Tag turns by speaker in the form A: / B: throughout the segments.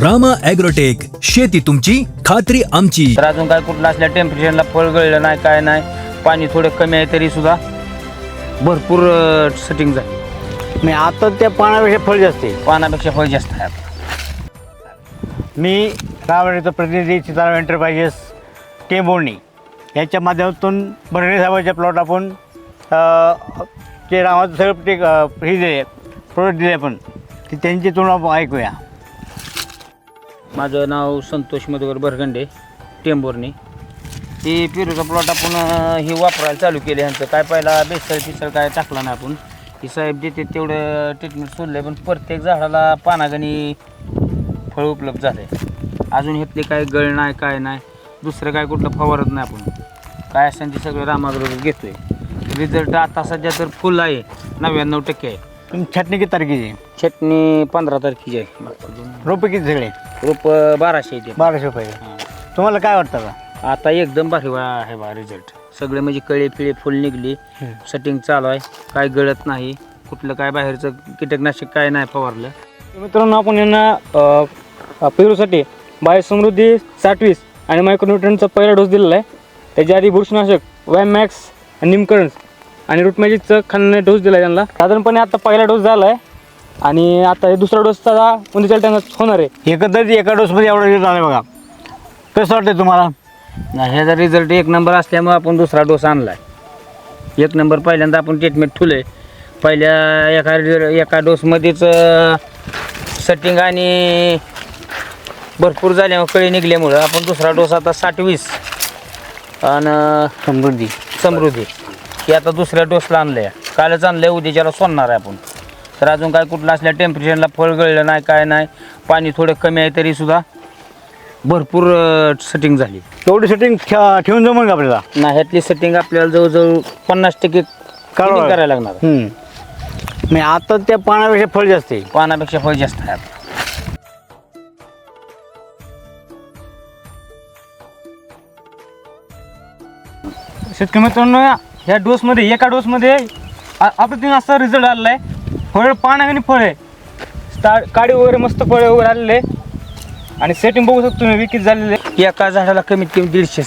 A: Rama agrotech, शेती तुमची खात्री आमची.
B: तर अजून काय कुठलं असल्या टेम्परेचरला फळ गळलं नाही, काय नाही, पाणी थोडं कमी आहे तरी सुद्धा भरपूर सेटिंग झाली.
C: मी आता त्या पानापेक्षा फळ जास्त आहे.
B: पानापेक्षा फळ जास्त आहे आता.
C: मी रावणीचा प्रतिनिधी सीताराम एंटरप्राइजेस टेंबोर्णी याच्या माध्यमातून बर्णे साहेबांच्या प्लॉट आपण ते रामाचं सगळं ते हे दिले प्रोडक्ट दिले आपण की त्यांची तुलना आपण ऐकूया.
B: माझं नाव संतोष मधुकर बरगंडे, टेंबोर्णी. हे पेरूचा प्लॉट आपण हे वापरायला चालू केले. ह्यांचं काय पहिला बेसळ काय टाकला नाही आपण. ही साहेब देते तेवढं ट्रीटमेंट सोडलं, पण प्रत्येक झाडाला पानागणी फळ उपलब्ध झाले. अजून ह्यातले काय गळ नाही, काय नाही, दुसरं काय कुठलं फवारत नाही आपण. काय असेल ते सगळं रामागरोबर घेतोय. रिझल्ट आता सध्या तर फुल आहे, 99% आहे.
C: तुम्ही छटणी किती तारखेची?
B: छटणी 15 तारखेची आहे.
C: रोपे किती सगळे?
B: रोप 1200 येते.
C: 1200 रुपये. तुम्हाला काय वाटतं का
B: आता एकदम भारी आहे बा रिझल्ट. सगळे म्हणजे कळे पिळे फुल निघली, सेटिंग चालू आहे, काय गळत नाही, कुठलं काय बाहेरचं कीटकनाशक काय नाही फवारलं.
D: मित्रांनो, आपण यांना पेरूसाठी बायोसमृद्धी 60-20 आणि मायक्रोन्यूट्रनचा पहिला डोस दिलेला आहे. त्याच्या आधी बुरशीनाशक वॅमॅक्स, निमकरन्स आणि रूट मॅजिकचं खाण्याने डोस दिला आहे त्यांना. साधारणपणे आता पहिला डोस झाला आहे आणि आता हे दुसरा डोसचा उद्याच्या टायमात होणार आहे.
C: एकंदरीत एका डोसमध्ये एवढा रिझल्ट आला बघा. कसं वाटतं तुम्हाला?
B: नाही, ह्याचा रिझल्ट एक नंबर असल्यामुळे आपण दुसरा डोस आणला आहे. एक नंबर पहिल्यांदा आपण ट्रीटमेंट ठुले. पहिल्या एका डोसमध्येच सेटिंग आणि भरपूर झाल्यामुळे कळी निघल्यामुळं आपण दुसरा डोस आता 60-20 आणि समृद्धी हे आता दुसऱ्या डोसला आणलं आहे. कालच आणलं आहे, उद्याच्याला सोडणार आहे आपण. तर अजून काय कुठलं असल्या टेम्परेचरला फळ गळलं नाही, काय नाही, पाणी थोडं कमी आहे तरी सुद्धा भरपूर सेटिंग झाली.
C: तेवढी सेटिंग ठेवून जमून का आपल्याला?
B: नाही, ह्यातली सेटिंग आपल्याला जवळजवळ 50% करायला लागणार.
C: मी आता त्या पानापेक्षा फळ जास्त आहे.
B: पानापेक्षा फळ जास्त आहे आता.
D: शेतकरी मित्रांनो, ह्या डोसमध्ये एका डोसमध्ये अप्रतिम असा रिझल्ट आलेला आहे. फळ पान आणि फळ आहे, काडी वगैरे मस्त फळे वगैरे आलेले आहे आणि सेटिंग बघू शकतो तुम्ही विकीत झालेले.
B: एका झाडाला कमीत कमी 150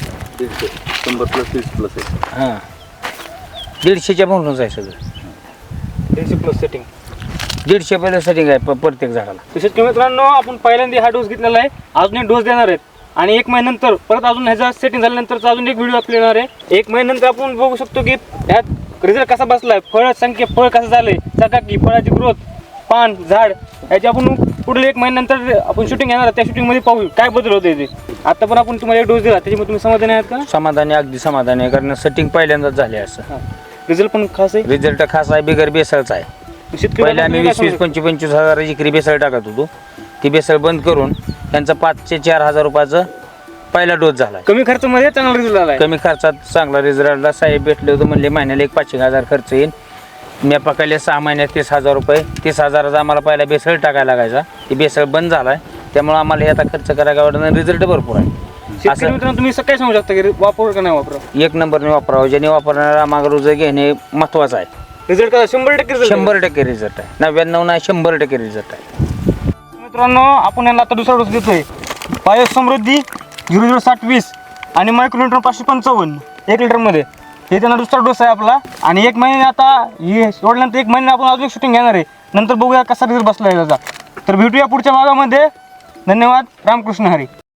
B: हां 150च्या म्हणूनच आहे सगळं.
D: 150+ सेटिंग
B: 150 पहिलं सेटिंग आहे प्रत्येक झाडाला.
D: तर शेतकरी मित्रांनो, आपण पहिल्यांदा हा डोस घेतलेला आहे. अजून एक डोस देणार आहेत आणि 1 महिन्यानंतर परत अजून ह्याचा सेटिंग झाल्यानंतरचा अजून एक व्हिडिओ आपल्याला येणार आहे. 1 महिन्यानंतर आपण बघू शकतो की ह्यात रिझल्ट कसा बसला आहे, फळ संख्या फळ कसं झालं आहे, चकाकी, फळाची ग्रोथ, पान, झाड, याची आपण पुढील 1 महिन्यानंतर आपण शूटिंग येणार. त्या शूटिंगमध्ये पाहू काय बदल होते ते. आता पण आपण तुम्हाला एक डोस दिला, त्याच्यामुळे तुम्ही समाधानी आहात का?
B: समाधानी, अगदी समाधानी आहे, कारण सेटिंग पहिल्यांदाच झाले. असं
D: रिझल्ट पण खास आहे.
B: रिझल्ट खास आहे, बिगर बेसळचा आहे. पहिले आम्ही 20-25 हजार इकरी बेसळ टाकत होतो. ती बेसळ बंद करून त्यांचा 5 ते 4 हजार रुपयाचा पहिला डोस झाला.
D: कमी खर्चामध्ये चांगला रिझल्ट आला.
B: कमी खर्चात चांगला रिझल्ट आला. साहेब भेटले होते, म्हणले महिन्याला 1-5,000 खर्च येईल. मी पकडले 6 महिन्यात 30,000 रुपये. 30,000चा आम्हाला पहिला बेसळ टाकायला लागायचा. ती बेसळ बंद झाला आहे, त्यामुळे आम्हाला हे आता खर्च करायला वाटत. रिझल्ट भरपूर आहे.
D: असं मित्रांनो, तुम्ही सकाळी सांगू शकता की वापर का नाही वापरा?
B: 1 नंबरने वापरावं. ज्याने वापरणारा मागं रोज घेणे महत्त्वाचं आहे.
D: रिझल्ट का 100%
B: 100% रिझल्ट आहे. 99 नाही, 100% रिझल्ट आहे.
D: मित्रांनो, आपण यांना आता दुसरा डोस देतोय. बायोसमृद्धी 0060-20 आणि मायक्रोन्यूट्रन 555 1 लिटरमध्ये. हे त्यांना दुसरा डोस आहे आपला. आणि 1 महिने आता हे सोडल्यानंतर 1 महिने आपण अजून शूटिंग घेणार आहे. नंतर बघूया कसा रिझल्ट बसला आहे त्याचा. तर भेटूया पुढच्या भागामध्ये. धन्यवाद. रामकृष्ण हरी.